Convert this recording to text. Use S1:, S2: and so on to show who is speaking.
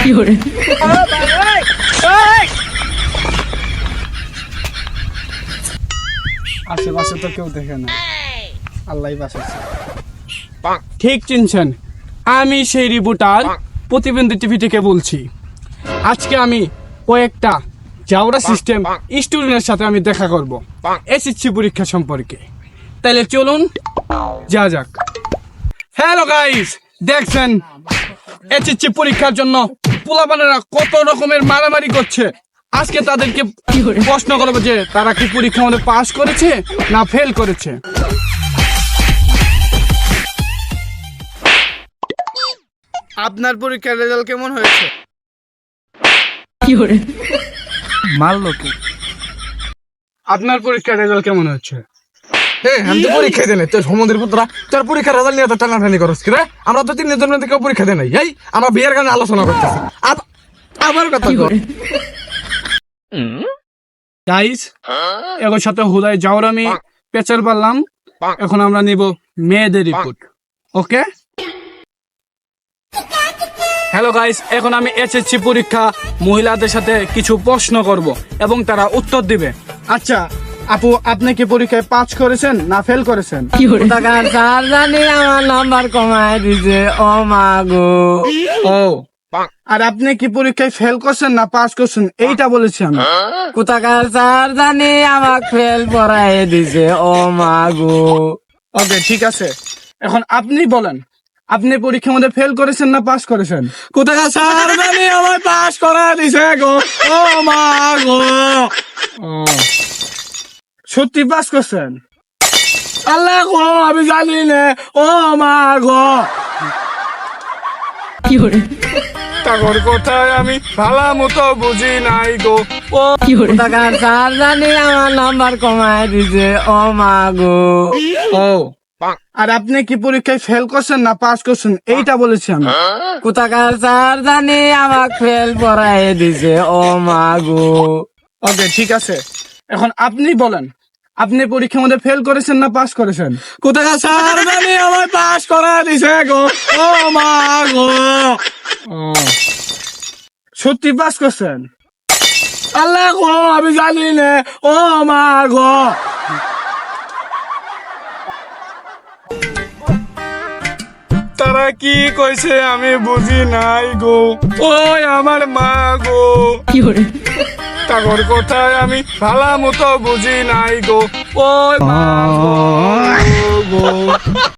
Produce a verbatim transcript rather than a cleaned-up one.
S1: আশেপাশে তো কেউ দেখে না, আল্লাহই বাঁচাচ্ছে। ঠিক চিনছেন, আমি সেই রিপোর্টার প্রতিবন্ধী টিভি থেকে বলছি। আজকে আমি কয়েকটা জাউরা সিস্টেম স্টুডেন্টের সাথে আমি দেখা করব এসএসসি পরীক্ষা সম্পর্কে। তাহলে চলুন যা যাক। হ্যালো গাইস, দেখছেন এসএসসি পরীক্ষার জন্য পোলাপানেরা কত রকমের মারামারি করছে। আজকে তাদেরকে প্রশ্ন করবো যে তারা কি পরীক্ষা মধ্যে পাস করেছে না ফেল করেছে। আপনার পরীক্ষার রেজাল্ট কেমন হয়েছে? মারলো কি? আপনার পরীক্ষার রেজাল্ট কেমন হচ্ছে?
S2: হ্যাঁ, আমি তো পরীক্ষা দেয় নাই। তোর সমুদ্রের পুত্রা তোর পরীক্ষার রেজাল্ট নিয়ে তো টানাটানি করছ কি রে? আমরা তো তিন জন থেকে পরীক্ষা দেয় নাই। এই আমরা বিয়ের গানে আলোচনা করতেছি।
S1: আবার কথা কর। গাইস, এর সাথে হুদাই যাওয়ার আমি পেচার পারলাম। এখন আমরা নিব মেয়েদের রিপোর্ট। ওকে, হ্যালো গাইস, এখন আমি এসএসসি পরীক্ষা মহিলাদের সাথে কিছু প্রশ্ন করব এবং তারা উত্তর দিবে। আচ্ছা আপু, আপনি কি পরীক্ষায় পাস করেছেন না ফেল করেছেন?
S3: স্যার জানি আমার নাম্বার কমায় দিছে। ও মা গো।
S1: ও, আর আপনি কি পরীক্ষায় ফেল করছেন না পাস করছেন এইটা বলেছি আমি।
S3: কোথাকার স্যার জানি আমাকে ফেল পড়াই দিছে। ও মা গো।
S1: ওকে, ঠিক আছে। এখন আপনি বলেন, আপনি পরীক্ষার মধ্যে ফেল করেছেন না পাস করেছেন?
S2: কোথাকার স্যার জানি আমার পাস করা দিছে গো। ও মা গো।
S1: ও, সত্যি পাস করছেন?
S2: আল্লাহ গো, আমি জানি না। ও মা গো।
S1: তাগর কোথায় আমি ভালো মতো বুঝি নাই গো। ও,
S3: কোথাকার স্যার জানি আমার নাম্বার কমায় দিছে। ও মা গো।
S1: ও, আর আপনি কি পরীক্ষায় ফেল করছেন না পাস করছেন এইটা বলেছি আমি।
S3: কোথাকার স্যার জানি আমাকে ফেল পড়াই দিছে। ও মা গো।
S1: ওকে, ঠিক আছে। এখন আপনি বলেন, আপনি পরীক্ষার মধ্যে ফেল করেছেন না পাস করেছেন?
S2: কোথাকার স্যার জানি আমার পাস করা দিছে গো। ও মা গো।
S1: ও, সত্যি পাস করছেন?
S2: আল্লাহ গো, আমি জানি না। ও মা গো।
S1: তারা কি কইছে আমি বুঝি নাই গো। ওই আমার মা গো। তাগর কোথায় আমি ভালো মতো বুঝি নাই গো। ওই মা গো।